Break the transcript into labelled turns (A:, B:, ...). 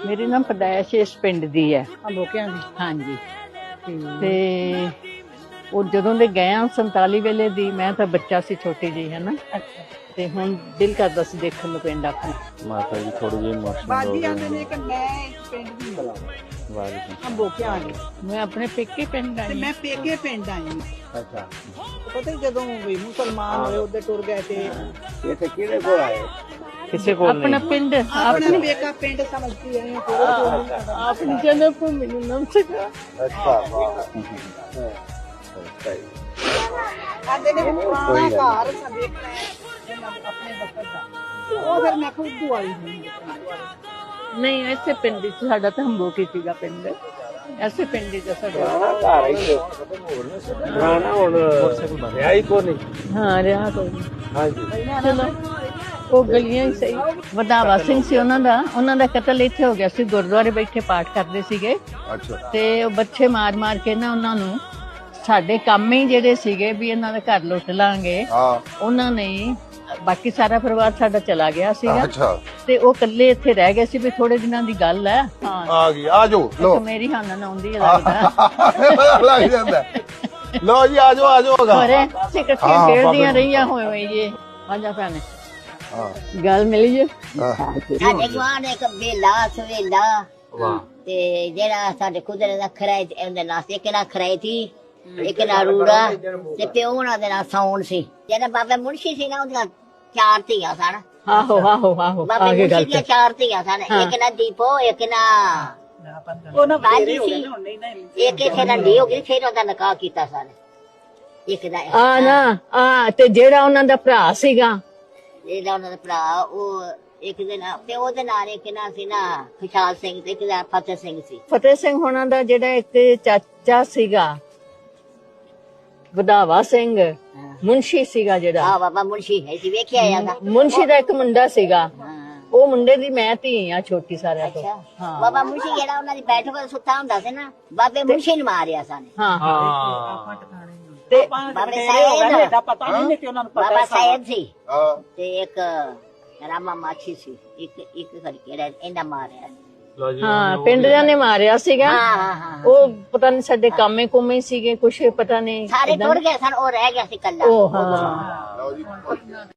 A: ਮੇਰੀ ਨਾ ਪਦਾਇਸ਼ ਇਸ ਪਿੰਡ ਦੀ ਹੈ,
B: ਅੰਬੋਕਿਆਂ ਦੀ।
A: ਹਾਂਜੀ। ਤੇ ਉਹ ਜਦੋਂ ਦੇ ਗਏ ਆ 47 ਵੇਲੇ ਦੀ, ਮੈਂ ਤਾਂ ਬੱਚਾ ਸੀ ਛੋਟੀ ਜਿਹੀ, ਹੈ ਨਾ।
B: ਅੱਛਾ,
A: ਤੇ ਹੁਣ ਦਿਲ ਕਰਦਾ ਸੀ ਦੇਖਣ ਨੂੰ ਪਿੰਡ ਆਪਣਾ।
C: ਮਾਤਾ ਜੀ ਥੋੜੀ ਜਿਹੀ ਇਮੋਸ਼ਨਲ ਹੋ
B: ਬਾਜੀ ਆਂਦੇ
C: ਗਏ
B: ਨੇ ਕਿ ਮੈਂ ਇਸ ਪਿੰਡ ਦੀ ਹਾਂ,
C: ਵਾਹਿਗੁਰੂ।
B: ਅੰਬੋਕਿਆਂ ਦੀ।
A: ਮੈਂ ਆਪਣੇ ਪੇਕੇ ਪਿੰਡ
B: ਤੇ
A: ਆਈ।
B: ਮੈਂ ਪੇਕੇ ਪਿੰਡ ਆਈ ਹਾਂ।
C: ਅੱਛਾ,
B: ਪਤਾ ਹੀ ਜਦੋਂ ਵੀ ਮੁਸਲਮਾਨ ਹੋਏ ਉਹਦੇ ਟੁਰ ਗਏ ਤੇ
C: ਇੱਥੇ ਕਿਹਦੇ ਕੋਲ ਆਏ? ਕਿਸੇ ਕੋਲ
A: ਆਪਣਾ
C: ਨਹੀਂ।
A: ਪਿੰਡ
B: ਆਪਣਾ ਪੇਕਾ ਪਿੰਡ ਸਮਝਦੀ ਆਈ ਹਾਂ।
A: ਆਪਣੀ ਜਨਮ ਭੂਮੀ ਨੂੰ ਨਾਮ ਸਿਕਾ।
C: ਅੱਛਾ, ਵਾਹ।
B: ਆਂਦੇ ਨੇ ਵੀ ਪੁਰਾਣਾ ਘਰ ਸਾ ਦੇਖਣਾ ਹੈ ਆਪਣੇ ਵਕਤ ਦਾ। ਤੇ ਉਹ ਫਿਰ ਮੈਂ ਖੁਦ ਵਾਲੀ ਹੋਈ।
A: ਨਹੀਂ, ਐਸੇ ਪਿੰਡ ਵਿੱਚ ਸਾਡਾ ਤਾਂ ਹੰਬੋਕੀ ਸੀਗਾ ਪਿੰਡ, ਐਸੇ ਪਿੰਡ ਵਿੱਚ ਸਾਡਾ।
C: ਘਰ ਹੀ ਪੁਰਾਣਾ ਹੁਣ ਰਿਹਾ ਹੀ ਕੋ ਨਹੀਂ।
A: ਹਾਂ, ਰਿਹਾ ਕੋਈ ਨਹੀਂ।
C: ਹਾਂਜੀ,
A: ਚਲੋ ਉਹ ਗਲੀਆਂ ਹੀ ਸਹੀ। ਵਧਾਵਾ ਸਿੰਘ ਸੀ ਉਹਨਾਂ ਦਾ ਕਤਲ ਇੱਥੇ ਹੋ ਗਿਆ ਸੀ, ਗੁਰਦੁਆਰੇ ਬੈਠੇ ਪਾਠ ਕਰਦੇ ਸੀਗੇ।
C: ਅੱਛਾ,
A: ਤੇ ਉਹ ਬੱਚੇ ਮਾਰ ਮਾਰ ਕੇ ਨਾ ਉਹਨਾਂ ਨੂੰ, ਸਾਡੇ ਕੰਮ ਹੀ ਜਿਹੜੇ ਸੀਗੇ ਵੀ ਇਹਨਾਂ ਦਾ ਘਰ ਲੁੱਟ ਲਾਂਗੇ,
C: ਹਾਂ,
A: ਉਹਨਾਂ ਨੇ, ਬਾਕੀ ਸਾਰਾ ਪਰਿਵਾਰ ਸਾਡਾ ਚਲਾ ਗਿਆ ਸੀਗਾ।
C: ਅੱਛਾ,
A: ਤੇ ਉਹ ਇਕੱਲੇ ਇੱਥੇ ਰਹਿ ਗਏ ਸੀ ਵੀ ਥੋੜੇ ਦਿਨਾਂ ਦੀ ਗੱਲ ਹੈ। ਹਾਂ,
C: ਆ ਗਈ, ਆ ਜਾਓ ਲੋ।
A: ਮੇਰੀ ਹਾਨਨ ਆਉਂਦੀ ਹੈ ਲੱਗਦਾ।
C: ਲੱਗ ਜਾਂਦਾ। ਲੋ ਜੀ, ਆ ਜਾਓ, ਆ ਜਾਓ।
A: ਹੋਰੇ ਅਸੀਂ ਇਕੱਠੀਆਂ ਖੇਡਦੀਆਂ ਰਹੀਆਂ ਹੋਏ ਜੀ। ਆਜਾ ਭੈਣੇ, ਗੱਲ ਮਿਲੀ ਜੇ।
D: ਸਾਡੇ ਗਵਾਂਢ ਇੱਕ ਬੇਲਾ ਸਵੇਲਾ
C: ਵਾਹ,
D: ਤੇ ਜਿਹੜਾ ਸਾਡੇ ਕੁਦਰਤ ਦਾ ਖਰਾਇ ਉਹਦੇ ਨਾਲ ਇੱਕ ਨਾਲ ਖਰਾਇ ਸੀ, ਇੱਕ ਨਾਲ ਰੂੜਾ, ਤੇ ਪਿਓ ਉਹਨਾਂ ਦੇ ਨਾਲ ਸੌਣ ਸੀ। ਜਿਹੜਾ ਬਾਬਾ ਮੁਨਸ਼ੀ ਸੀ ਨਾ, ਉਹਦੀਆਂ 4 ਧੀਆਂ ਸਨ।
A: ਆਹੋ ਆਹੋ ਆਹੋ,
D: ਬਾਬਾ
A: ਆ ਗਈ ਗੱਲ
D: ਮੁਨਸ਼ੀ ਦੀਆਂ 4 ਧੀਆਂ ਸਨ। ਇੱਕ ਨਾ ਦੀਪੋ, ਇੱਕ ਨਾ
B: ਉਹਨਾਂ
D: ਬਾਜੀ
B: ਹੋ
D: ਸੀ,
B: ਗਏ ਹੁਣ ਨਹੀਂ ਨਾ।
D: ਇੱਕ ਇੱਥੇ ਨੰਢੀ ਹੋ ਗਈ, ਫਿਰ ਉਹਦਾ ਨਿਕਾਹ ਕੀਤਾ ਸਨ। ਇੱਕ ਦਾ
A: ਆ ਨਾ ਆ, ਤੇ ਜਿਹੜਾ ਉਹਨਾਂ ਦਾ ਭਰਾ ਸੀਗਾ,
D: ਜਿਹੜਾ ਉਹਨਾਂ ਦਾ ਭਰਾ, ਉਹ ਇੱਕ ਦੇ ਨਾਲ ਪਿਓ ਦੇ ਨਾਲ, ਇੱਕ ਨਾ ਸੀ ਨਾ ਖੁਸ਼ਹਾਲ ਸਿੰਘ, ਤੇ ਇੱਕ ਦਾ ਫਤਿਹ ਸਿੰਘ ਸੀ।
A: ਫਤਿਹ ਸਿੰਘ ਹੋਣਾ ਦਾ ਜਿਹੜਾ ਇੱਕ ਚਾਚਾ ਸੀਗਾ, ਵਧਾਵਾ ਸਿੰਘ ਮੁਨਸ਼ੀ ਸੀਗਾ ਜਿਹੜਾ।
D: ਆ ਬਾਬਾ ਮੁਨਸ਼ੀ ਹੈ ਸੀ, ਵੇਖਿਆ ਜਾਂਦਾ।
A: ਮੁਨਸ਼ੀ ਦਾ ਇੱਕ ਮੁੰਡਾ ਸੀਗਾ,
D: ਹਾਂ,
A: ਉਹ ਮੁੰਡੇ ਦੀ ਮੈਂ ਧੀ ਆ ਛੋਟੀ ਸਾਰਿਆਂ ਤੋਂ।
D: ਅੱਛਾ।
A: ਹਾਂ
D: ਬਾਬਾ ਮੁਨਸ਼ੀ ਜਿਹੜਾ ਉਹਨਾਂ ਦੀ ਬੈਠਕ ਤੇ ਸੁੱਤਾ ਹੁੰਦਾ ਸੀ ਨਾ, ਬਾਬੇ ਮੁਨਸ਼ੀ ਨੂੰ ਮਾਰਿਆ ਸਨ।
A: ਹਾਂ
C: ਹਾਂ,
A: ਤੇ
D: ਬਾਬੇ ਸਾਇਦ
B: ਦਾ ਪਤਾ ਨਹੀਂ ਕਿ ਉਹਨਾਂ ਨੂੰ ਪਤਾ
D: ਬਾਬਾ ਸਾਇਦ ਸੀ,
C: ਹਾਂ,
D: ਤੇ ਇੱਕ ਰਾਮਾ ਮਾਛੀ ਸੀ, ਇੱਕ ਕਰਕੇ ਇਹਨਾਂ ਮਾਰਿਆ।
C: ਲੋ ਜੀ,
A: ਹਾਂ, ਪਿੰਡ ਦਿਆਂ ਨੇ ਮਾਰਿਆ ਸੀਗਾ।
D: ਹਾਂ ਹਾਂ ਹਾਂ,
A: ਉਹ ਪਤਾ ਨਹੀਂ ਸਾਡੇ ਕਾਮੇ ਕੁਮੇ ਸੀਗੇ, ਕੁਛ ਪਤਾ ਨਹੀਂ।
D: ਸਾਰੇ ਟੁੱਟ ਗਏ ਸਨ, ਉਹ ਰਹਿ ਗਿਆ ਸੀ ਕੱਲਾ।
A: ਉਹ ਹਾਂ।
C: ਲਓ ਜੀ।